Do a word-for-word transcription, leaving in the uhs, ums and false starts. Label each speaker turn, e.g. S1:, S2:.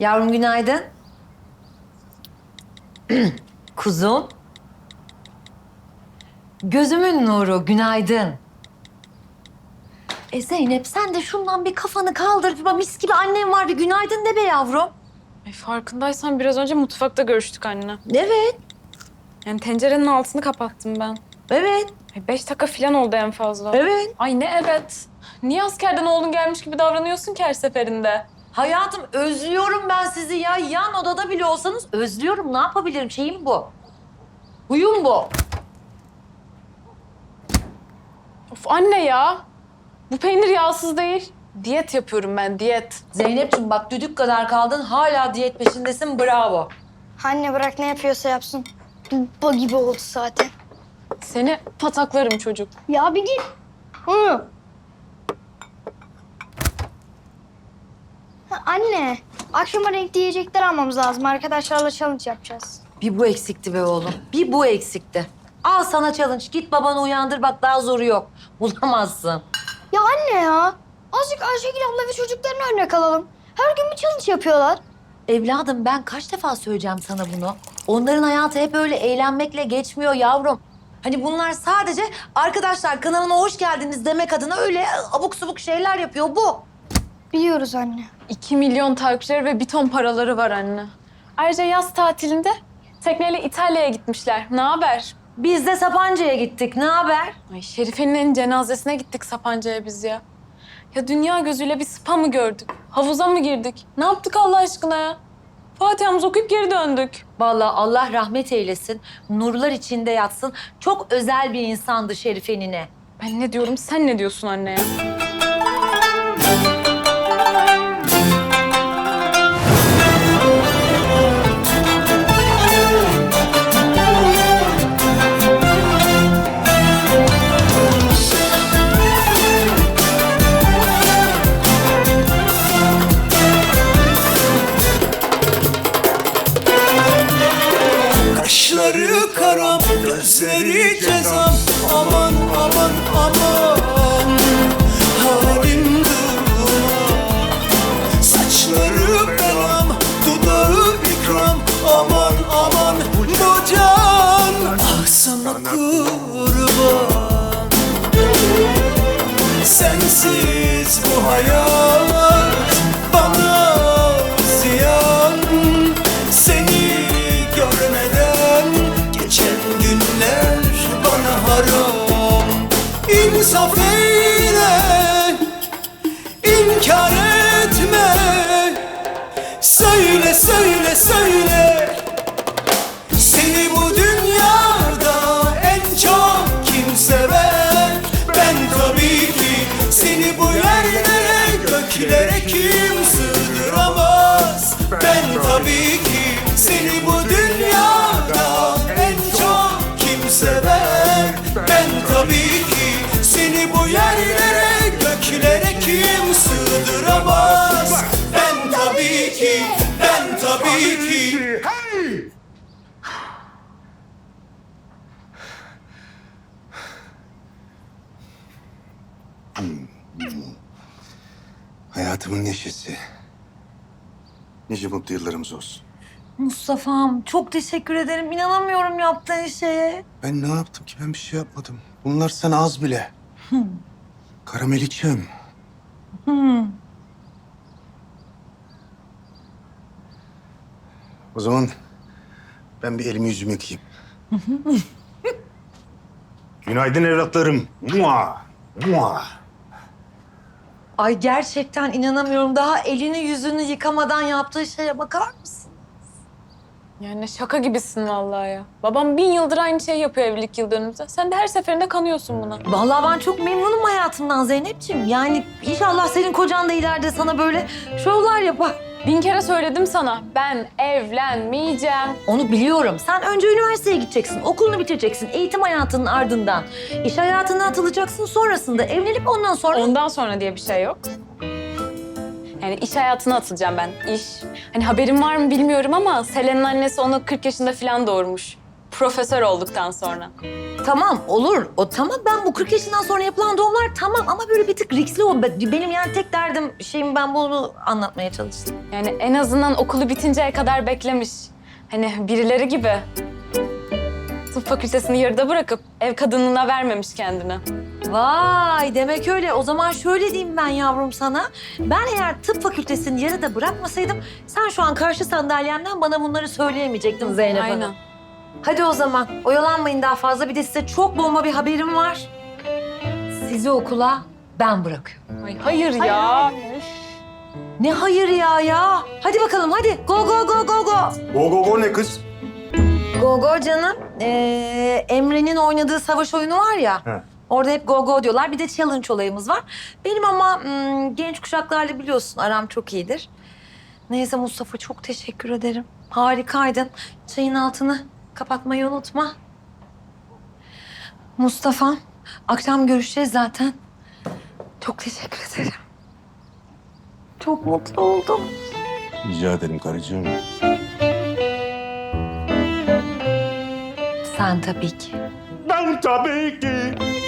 S1: Yavrum günaydın. Kuzum. Gözümün nuru, günaydın. E Zeynep sen de şundan bir kafanı kaldır. Bak mis gibi annem var, bir günaydın de be yavrum.
S2: Ay farkındaysan biraz önce mutfakta görüştük anne.
S1: Evet,
S2: Yani tencerenin altını kapattım ben.
S1: evet,
S2: Ay beş dakika falan oldu en fazla.
S1: evet.
S2: Ay ne evet. Niye askerden oğlun gelmiş gibi davranıyorsun ki her seferinde?
S1: Hayatım özlüyorum ben sizi ya. Yan odada bile olsanız özlüyorum. Ne yapabilirim? Şeyim bu. Huyum bu.
S2: Of anne ya. Bu peynir yağsız değil. Diyet yapıyorum ben, diyet.
S1: Zeynep'ciğim bak düdük kadar kaldın. Hala diyet peşindesin. Bravo.
S3: Anne bırak ne yapıyorsa yapsın. Baba gibi oldu zaten.
S2: Seni pataklarım çocuk.
S3: Ya bir git. Hı. Ha, anne, akşama renkli yiyecekler almamız lazım. Arkadaşlarla challenge yapacağız.
S1: Bir bu eksikti be oğlum. Bir bu eksikti. Al sana challenge. Git babanı uyandır. Bak daha zoru yok. Bulamazsın.
S3: Ya anne ya. Azıcık Ayşegül abla ve çocuklarını örnek alalım. Her gün bir challenge yapıyorlar.
S1: Evladım ben kaç defa söyleyeceğim sana bunu? Onların hayatı hep öyle eğlenmekle geçmiyor yavrum. Hani bunlar sadece arkadaşlar kanalıma hoş geldiniz demek adına öyle abuk subuk şeyler yapıyor bu.
S3: Biliyoruz anne.
S2: İki milyon takipçileri ve bir ton paraları var anne. Ayrıca yaz tatilinde tekneyle İtalya'ya gitmişler. Ne haber?
S1: Biz de Sapanca'ya gittik. Ne haber?
S2: Ay Şerife'nin cenazesine gittik Sapanca'ya biz ya. Ya dünya gözüyle bir spa mı gördük? Havuza mı girdik? Ne yaptık Allah aşkına ya? Fatiha'mızı okuyup geri döndük.
S1: Vallahi Allah rahmet eylesin. Nurlar içinde yatsın. Çok özel bir insandı Şerife nine.
S2: Ben ne diyorum, sen ne diyorsun anne ya?
S4: Kaşları karam, gözleri cezam. Aman aman aman, halim duman. Saçları belam, dudağı ikram. Aman aman bu can, ah sana kurban. Sensiz bu hayat bana ziyan. Seni görmeden geçen günler bana haram. İnsaf eyle, inkar etme. Söyle, söyle, söyle. Seni bu dünyada en çok kim sever? Ben tabii ki. Seni bu yerlere, göklere kim sığdıramaz? Ben tabii ki. Seni bu dünyada en çok kim sever? Ben tabii ki. Seni bu yerlere, göklere kim sığdıramaz? Ben tabii ki, ben tabii ki.
S5: Hayatımın neşesi. Nice mutlu yıllarımız olsun.
S1: Mustafa'm çok teşekkür ederim. İnanamıyorum yaptığın şeye.
S5: Ben ne yaptım ki? Ben bir şey yapmadım. Bunlar sana az bile. Karameliçem. O zaman ben bir elimi yüzümü yıkayayım. Günaydın evlatlarım. Mua, mua.
S1: Ay gerçekten inanamıyorum. Daha elini yüzünü yıkamadan yaptığı şeye bakar mısın?
S2: Yani şaka gibisin vallahi ya. Babam bin yıldır aynı şeyi yapıyor evlilik yıl dönümümüzde. Sen de her seferinde kanıyorsun buna.
S1: Vallahi ben çok memnunum hayatımdan Zeynep'ciğim. Yani inşallah senin kocan da ileride sana böyle şovlar yapar.
S2: Bin kere söyledim sana. Ben evlenmeyeceğim.
S1: Onu biliyorum. Sen önce üniversiteye gideceksin, okulunu bitireceksin, eğitim hayatının ardından. İş hayatına atılacaksın, sonrasında evlenip ondan sonra...
S2: Ondan sonra diye bir şey yok. Yani iş hayatına atılacağım ben. İş. Hani haberin var mı bilmiyorum ama Selen'in annesi onu kırk yaşında falan doğurmuş. Profesör olduktan sonra.
S1: Tamam olur. O tamam, ben bu kırk yaşından sonra yapılan doğumlar tamam ama böyle bir tık riskli o. Benim yani tek derdim şeyim, ben bunu anlatmaya çalıştım.
S2: Yani en azından okulu bitinceye kadar beklemiş. Hani birileri gibi. Tıp fakültesini yarıda bırakıp ev kadınlığına vermemiş kendini.
S1: Vay, demek öyle. O zaman şöyle diyeyim ben yavrum sana. Ben eğer tıp fakültesini yarıda bırakmasaydım sen şu an karşı sandalyemden bana bunları söyleyemeyecektin Zeynep Hanım.
S2: Aynen.
S1: Hadi o zaman oyalanmayın daha fazla. Bir de size çok bomba bir haberim var. Sizi okula ben bırakıyorum.
S2: Ay, hayır ya.
S1: Ne hayır ya ya. Hadi bakalım hadi. Go go go go go.
S5: Go go go ne kız?
S1: Go go canım. Ee, Emre'nin oynadığı savaş oyunu var ya.
S5: He.
S1: Orada hep go go diyorlar. Bir de challenge olayımız var. Benim ama hmm, genç kuşaklarla biliyorsun aram çok iyidir. Neyse Mustafa, çok teşekkür ederim. Harikaydın. Çayın altını kapatmayı unutma. Mustafa, akşam görüşeceğiz zaten. Çok teşekkür ederim. Çok mutlu oldum.
S5: Rica ederim karıcığım.
S1: Sen tabii ki.
S5: Ben tabii ki